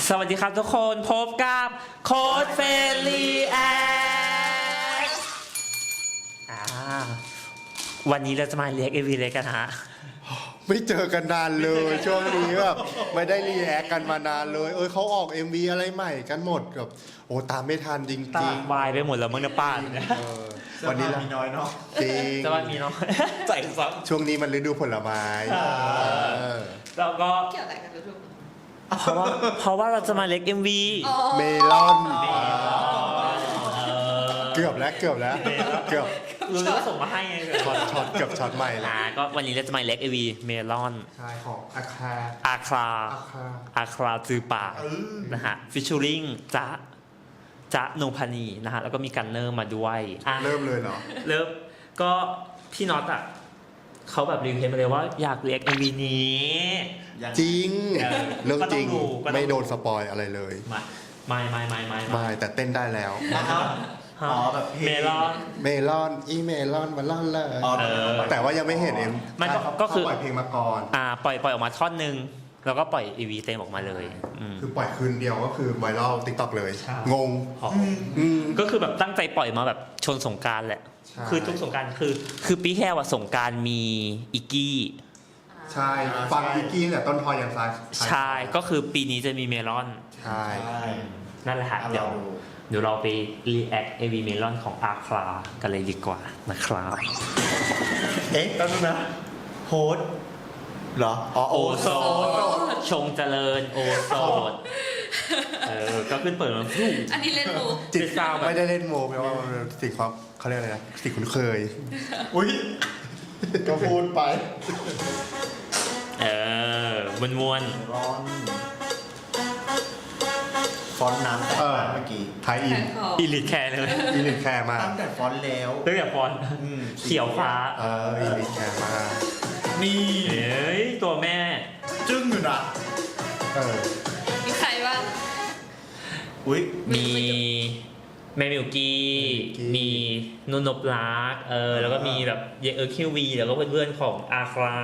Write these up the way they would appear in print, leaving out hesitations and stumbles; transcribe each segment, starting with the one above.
สวัสดีครับทุกคนพบกับโค้ดเฟรลีแอควันนี้เราจะมาเรียกAVเลยกันฮะไม่เจอกันนานเลยช่วงนี้แบบไม่ได้รีแอคกันมานานเลยเขาออก MV อะไรใหม่กันหมดแบบโอ้ตามไม่ทันจริงตาวายไปหมดแล้วมึงนะป้าวันนี้มีน้อยเนาะจริงจะว่ามีน้อยใส่ซับช่วงนี้มันฤดูผลไม้แล้วก็เกี่ยวอะไรกันทุกเพราะว่าเราจะมาเรียกMV เมลอนเกือบรู้ว่าส่งมาให้ไงช็อตเกือบช็อตใหม่นะก็วันนี้เราจะมาเรียกMVเมลอนใช่ของอาคราจือป่านะฮะฟิชชูริงจ๊ะโนพานีนะฮะแล้วก็มีกันเนอร์มาด้วยเริ่มเลยเหรอเริ่มก็พี่น็อตอ่ะเขาแบบรีวิวมาเลยว่าอยากเรียกMVนี้จริงเรื่องจริงไม่โดนสปอยอะไรเลยไม่แต่เต้นได้แล้วแบบเมลอนเมลอนมาล่อนเลยแต่ว่ายังไม่เห็นมันก็คือปล่อยเพลงมาก่อนปล่อยออกมาท่อนนึงแล้วก็ปล่อยMVเต็มออกมาเลยคือปล่อยคืนเดียวก็คือไวรัล TikTok เลยงงก็คือแบบตั้งใจปล่อยมาแบบชนสงกรานต์แหละคือทุกสงกรานต์คือปีแค่ว่าสงกรานต์มีอิกกี้ใช่ฟังอิกกี้เนี่ยต้นทอยอย่างซ้ายใช่ก็คือปีนี้จะมีเมลอนใช่นั่นแหละฮะเดี๋ยวเราไปรีแอคAVเมลอนของอาคลากันเลยดีกว่านะครับแป๊บนึงนะโฮสเหรอโอโซชงเจริญโอโซก็ขึ้นเปิดมาอันนี้เล่นโมจิตซาวไม่ได้เล่นโมเพราะว่ามันสิ่งความเขาเรียกอะไรนะสิ่งคุ้นเคยอุ้ยก็พูดไปม้วนฟอนต์น้ำแต่เมื่อกี้ไทยอิลิทแคร์เลยอิลิทแคร์มาตั้งแต่ฟอนต์แล้วตั้งแต่ฟอนต์เขียวฟ้าอิลิทแคร์มานี่ตัวแม่จึ้งอยู่นะมีใครบ้างมีแม่มิวกี้มีนุนบลักแล้วก็มีแบบคิววีแล้วก็เพื่อนๆของอาครา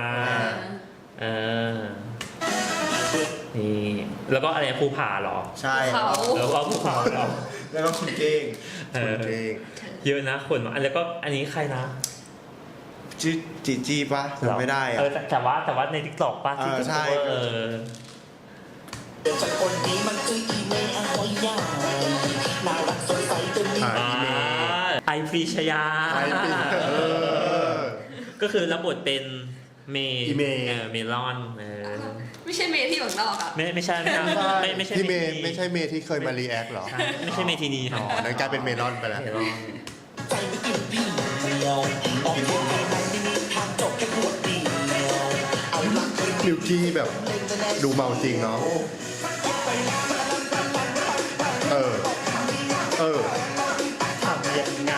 นี่แล้วก็อะไรภูผาเหรอใช่แล้วก็ภูผาเหรอแล้วก็คุณเก้งเยอะนะคนแล้วก็อันนี้ใครนะชื่อจีป่ะจำไม่ได้แต่ว่าใน TikTok ป่ะที่ใช่จากคนนี้มันคืออีเมย์อะไรอย่างน่ารักสดใสตัวนี้ไอพรีชยาก็คือรับบทเป็นเมลอนไม่ใช่เมย์ที่อยู่นอกอ่ะไม่ใช่ที่เมย์ไม่ใช่เมย์ที่เคยมารีแอคหรอไม่ใช่เมทีนีนั่นกลายเป็นเมลอนไปแล้วใจไม่กินพี่เดียวออกคนในมันไม่มีทางจบแค่หัวเดียวเอาหลักมิวกี้แบบดูเมาจริงเนาะทำยังไง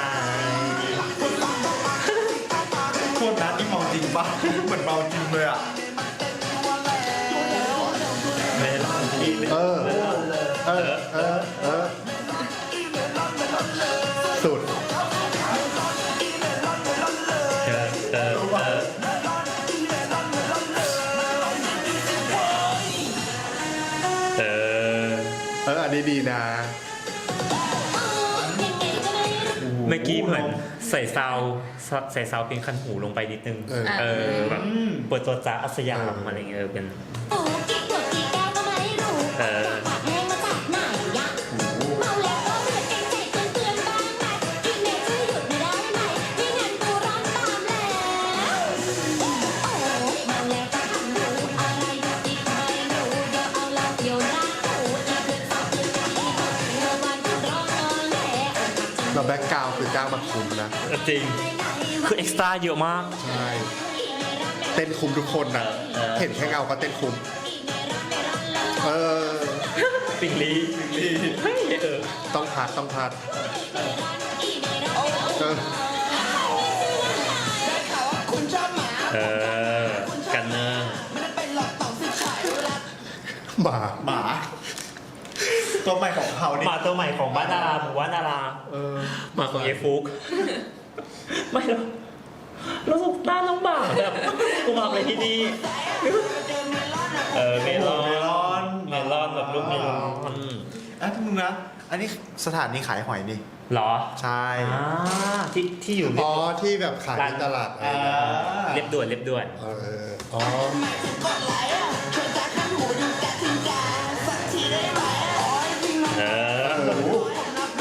โคตรนัดที่เมาจริงปะเหมือนเมาจริงเลยอ่ะสุดอันนี้ดีนะเมื่อกี้เหมือนใส่ซาวเป็นคันหูลงไปนิดนึงแบบเปิดตัวจ้าอัศยามอะไรเงี้ยเป็นแบ็คกราวด์คือจ้างมาคุ้มนะจริงคือเอ็กซ์ตร้าเยอะมากใช่เต้นคุ้มทุกคนนะเห็นแค่เงาก็เต้นคุ้มปิงลีต้องพัดกันเนอร์หมาตัวใหม่ของเขานี่มาตัวใหม่ของบ้านดาราหมู่บ้านดารามาของเยฟุกไม่หรอกเราสุกตาน้องบ่าแบบกูมาอะไรที่นี่เมลอนลอนแบบลูกเมลอนมึงนะ อันนี้สถานีขายหอยนี่เหรอใช่ที่อยู่อ๋อที่แบบขายในตลาดอะไรนะเรียบด่วนเรียบด่วนเอออ๋อเออ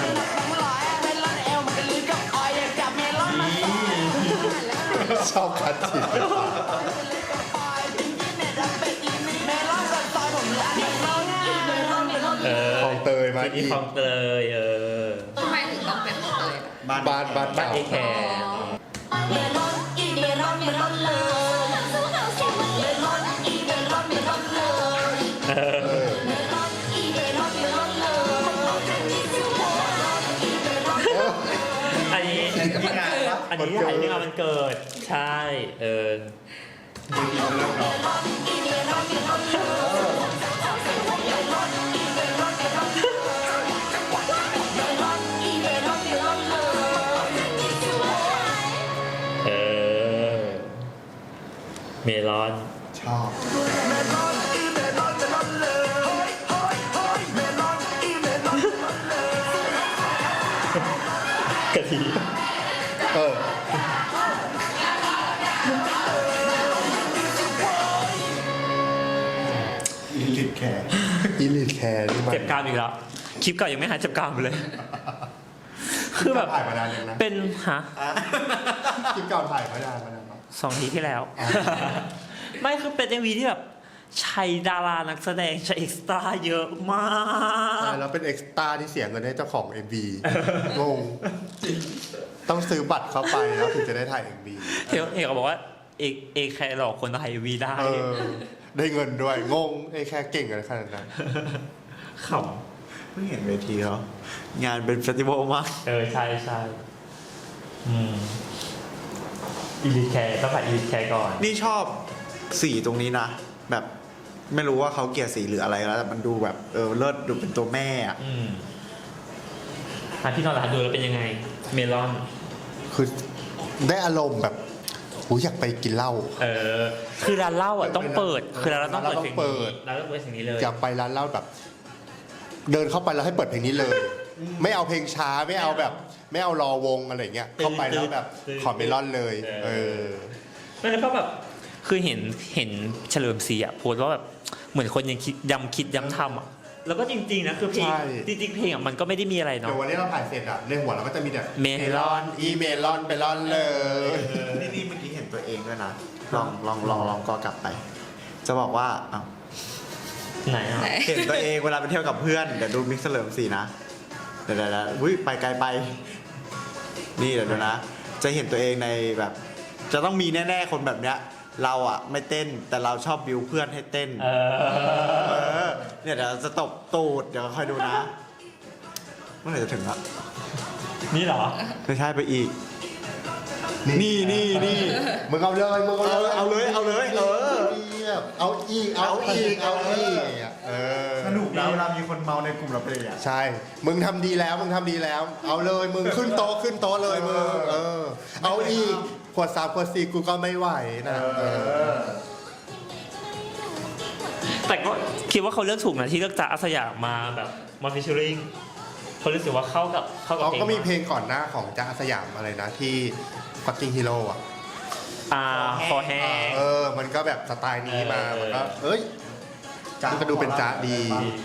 ชอบคัดจิตเออคลองเตยมาที่อีกคลองเตยทำไมถึงต้องเป็นของเตยอะบ้านบ้านเก่าเอแคร์ เอออันนี้อันนี้ถ่ายเรื่องมันเกิด ใช่ เออ เออ เมลอนชอบกะทิเอออีลิทแคร์อีลิทแคร์นี่มันเจ็บกรามอีกแล้ว คลิปเก่ายังไม่หายเจ็บกรามเลย คือแบบถ่ายมานานยังนะเป็นฮะคลิปเก่าถ่ายมานานเนาะ 2 ทีที่แล้ว ไม่คือเป็น MV ที่แบบใช้ดารานักแสดงใช้เอ็กซ์ตร้าเยอะมากแล้วเป็นเอ็กซ์ตร้าที่เสียเงินให้เจ้าของ MV งงต้องซื้อบัตรเข้าไปแล้วถึงจะได้ถ่าย MV เอกบอกว่าเอกแค่หลอกคนถ่าย MV ได้เออ ได้เงินด้วย งงไอ้แค่เก่งอะไรขนาดนั้นขเพิ่งเห็นเวทีเขางานเป็นเฟสติวัลมากำใช่ใช่อีลิทแคร์ต้องถ่ายอีลิทแคร์ก่อนนี่ชอบสีตรงนี้นะ แบบไม่รู้ว่าเขาเกลี่ยสีหรืออะไรแล้วแต่มันดูแบบเลิศดูเป็นตัวแม่อะพี่นอนหลับดูแล้วเป็นยังไง เมลอนคือได้อารมณ์แบบหูอยากไปกินเหล้าคือร้านเหล้าอ่ะต้องเปิด คือร้านเหล้าต้องเปิดร้านเหล้าต้องเปิดร้านเหล้าต้องเปิดสิ่งนี้เลยอยากไปร้านเหล้าแบบ เดินเข้าไปแล้วให้เปิดเพลงนี้เลย ไม่เอาเพลงช้าไม่เอาแบบ ไม่เอารอวงอะไรเงี้ยเข้าไปแล้วแบบขอเมลอนเลย เออไม่แล้วก็แบบคือเห็นเฉลิมศรีอ่ะโพสต์ว่าแบบเหมือนคนยังคิดย้ำทำอ่ะแล้วก็จริงๆนะคือเพลงใช่จริงๆเพลงอ่ะมันก็ไม่ได้มีอะไรเดี๋ยเนาะววันนี้เราถ่ายเสร็จอ่ะในหัวเราก็จะมีแต่เมลอนอีเมลอนไปลอนเลยนี่เมื่อกี้เห็นตัวเองด้วยนะ ลองก็กลับไป จะบอกว่าอ้าวไหนอ่ะเห็นตัวเองเวลาไปเที่ยวกับเพื่อนเดี๋ยวดูมิกซ์เฉลิมศรีนะเดี๋ยวอุ้ยไปไกลไป นี่เดี๋ยวดูนะ จะเห็นตัวเองในแบบ จะต้องมีแน่ๆคนแบบเนี้ย เราอ่ะไม่เต้นแต่เราชอบบิวเพื่อนให้เต้นเนี่ยเดี๋ยวจะตบตูดเดี๋ยวค่อยดูนะเมื่อไหร่จะถึงอ่ะนี่เหรอไม่ใช่ไปอีก นี่มึงเอาเลยมึงเอาเลยเอาเลยเออเอาอีกเอาอีกเออสนุกนะเวลามีคนเมาในกลุ่มเราเป็นอย่างเงี้ยใช่ มึงทำดีแล้ว เอาเลยมึงขึ้นโต๊ะเลยมึงเอาอีกขวด3ขวด4กูก็ไม่ไหวนะแต่ก็คิดว่าเขาเลือกถูกนะที่เลือกจ๊ะอาสยามมาแบบมาฟิชเชอริงเขารู้สึกว่าเข้ากับเขาก็มีเพลงก่อนหน้าของจ๊ะอาสยามอะไรนะที่ Fucking Hero อ่ะคอแห้งมันก็แบบสไตล์นี้มามันก็มันก็ดูเป็นจ๊ะดี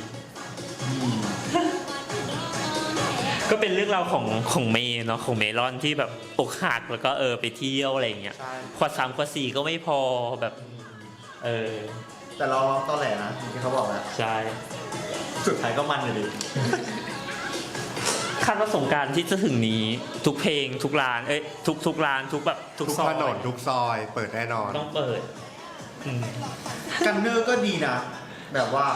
ก็เป็นเรื่องราวของเมย์เนาะของเมลอนที่แบบอกหักแล้วก็ไปเที่ยวอะไรอย่างเงี้ยใช่ขวด3ขวด4ก็ไม่พอแบบแต่เราร้องตอแหลนะที่เขาบอกอะใช่สุดท้ายก็มันอยู่ดีคาดว่าสงกรานต์ที่จะถึงนี้ทุกเพลงทุกร้านทุกร้านทุกแบบทุกทุกซอถยนนทุกซอยเปิดแน่นอนต้องเปิดกันเนอร์ก็ดีนะ แบบว่า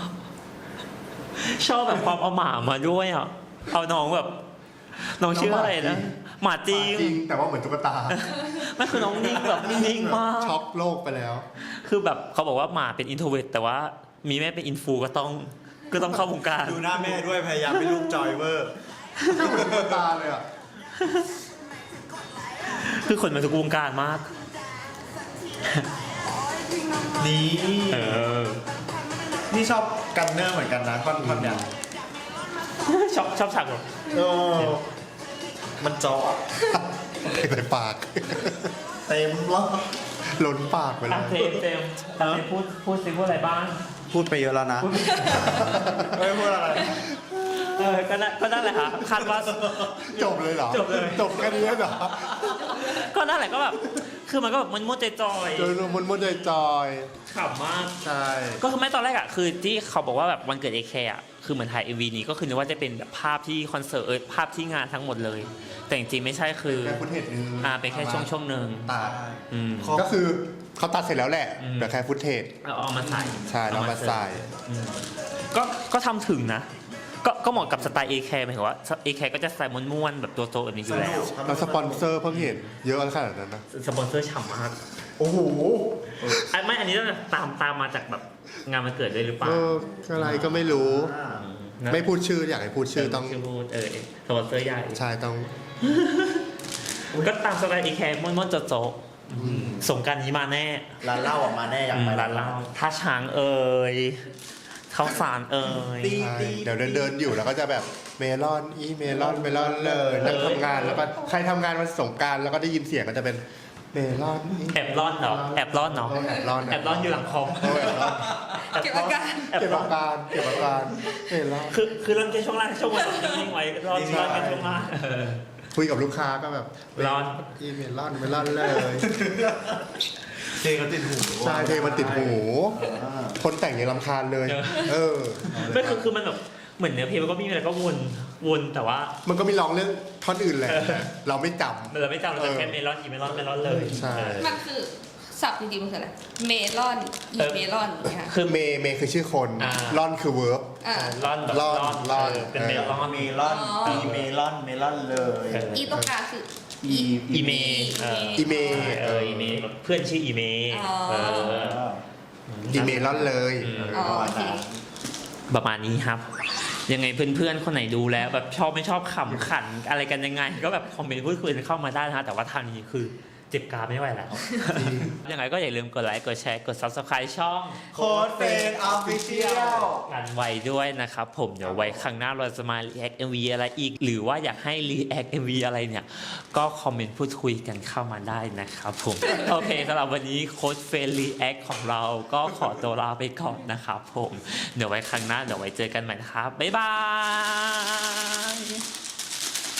ชอบแบบความเอาหมามาด้วยอ่ะเอาน้องแบบน้องชื่ออะไรนะหมาจริงแต่ว่าเหมือนตุ๊กตาไม่คือน้องนิ่งแบบนิ่งมากช็อกโลกไปแล้วคือแบบเขาบอกว่าหมาเป็นอินโทรเวิร์ตแต่ว่ามีแม่เป็นอินฟูก็ต้องเข้าวงการดูหน้าแม่ด้วยพยายามเป็นลูกจอยเวอร์เหมือนตุ๊กตาเลยอ่ะคือคนมาทุกวงการมากนี่นี่ชอบกันเนอร์เหมือนกันนะท่อนเนี่ยชอบฉากแบบโอ้มันเจาะใส่ปากเต็มแล้วล้นปากไปเลอ่ะยเจมส์พูดซิพูดอะไรบ้างพูดไปเยอะแล้วนะไม่พูดอะไรก็นั่นแหละค่ะคาดว่าจบเลยเหรอจบเลยจบแค่นี้เหรอก็นั่นแหละก็แบบคือมันก็แบบมันมุ่นจอยโดยรวมมันจอยๆขำมากๆใช่ก็คือไม่ตอนแรกอ่ะคือที่เขาบอกว่าแบบวันเกิด AK อ่ะคือเหมือนถ่าย MV นี้ก็คือนึกว่าจะเป็นแบบภาพที่คอนเสิร์ตภาพที่งานทั้งหมดเลย แต่จริงๆไม่ใช่คือแค่ฟุตเทจนึงเป็นแค่ช่วงหนึ่งตัดอืมก็คือเขาตัดเสร็จแล้วแหละอืมแต่แค่ฟุตเทจเอามาใส่ใช่แล้วมาใส่อืมก็ทำถึงนะ ก็เหมาะกับสไตล์ AK หมายถึงว่า AK ก็จะใส่ม้วนๆแบบตัวโตแบบนี้อยู่แล้วแล้วสปอนเซอร์เพิ่งเห็นเยอะขนาดนั้นนะสปอนเซอร์ฉ่ำมากโอ้โหไม่อันนี้ต้องตามมาจากแบบงานวันเกิดด้วยหรือเปล่าอะไรก็ไม่รู้นะไม่พูดชื่ออยากให้พูดชื่อต้องชื่อพูดสปอนเซอร์ใหญ่ใช่ต้องก็ตามสไตล์ AK ม้วนๆโจ๊ะๆสงกรารนี้มาแน่ร้านเหล้าออกมาแน่อยากไปร้านเหล้าท่าช้างข้าวสารใช่เดี๋ยวเดินอยู่แล้วก็จะแบบเมลอนเมลอนเลยนั่งทำงานแล้วก็ใครทำงานวันสงกรานต์แล้วก็ได้ยินเสียงก็จะเป็นเมลอนแอบร่อนเนาะแอบร่อนเนาะแอบร้อนแอบร่อนอยู่หลังคอมแอบร้อนเก็บอาการแอบเก็บร่ออาน การเก็บอาการเมลอนคือเริ่มแค่ช่วงล่างช่วงบนนิ่งไว้ร่อนกันช่วงล่างคุยกับลูกค้าก็แบบร้อนเมลอนเลยเพลงเขาติดหูใช่เพลงมันติดหู คนแต่งยังรำคาญเลย เออไม่คือมันแบบเหมือนเนื้อเพลงมันก็มีอะไรก็วนแต่ว่ามันก็มีร้องเรื่องท่อนอื่นแหละ เราไม่จำเราไม่จำเราจะแค่เมลอนอีเมลอนเลยใช่มันคือศัพท์จริงๆมันคืออะไรเมลอนอีเมลอนอย่างเงี้ยค่ะคือเมย์คือชื่อคนลอนคือเวิร์บอ่าร่อนแบบร่อนเป็นเมลอนเมลอนอีเมลอนเมลอนเลยอีตรงกลางคืออีเมอีเมย์อีเมเพื่อนชื่ออีเมอีเมลอนเลยอ๋อโอเคประมาณนี้ครับ ยังไงเพื่อนๆคนไหนดูแล้วแบบชอบไม่ชอบขำขันอะไรกันยังไง ก็แบบคอมเมนต์พูดคุยกันเข้ามาได้นะฮะแต่ว่าทางนี้คือเจ็บกรามไม่ไหวแล้ว ยังไงก็อย่าลืมกดไลค์กดแชร์กด Subscribe ช่องโค้ดเฟนออฟฟิเชียลกันไว้ด้วยนะครับผมเดี๋ยวไว้ครั้งหน้าเราจะมา React MV อะไรอีก หรือว่าอยากให้ React MV อะไรเนี่ยก็คอมเมนต์พูดคุยกันเข้ามาได้นะครับผม โอเคสำหรับวันนี้โค้ดเฟน React ของเราก็ขอตัวลาไปก่อนนะครับผมเดี๋ยวไว้ครั้งหน้าเดี๋ยวไว้เจอกันใหม่นะครับบ๊ายบาย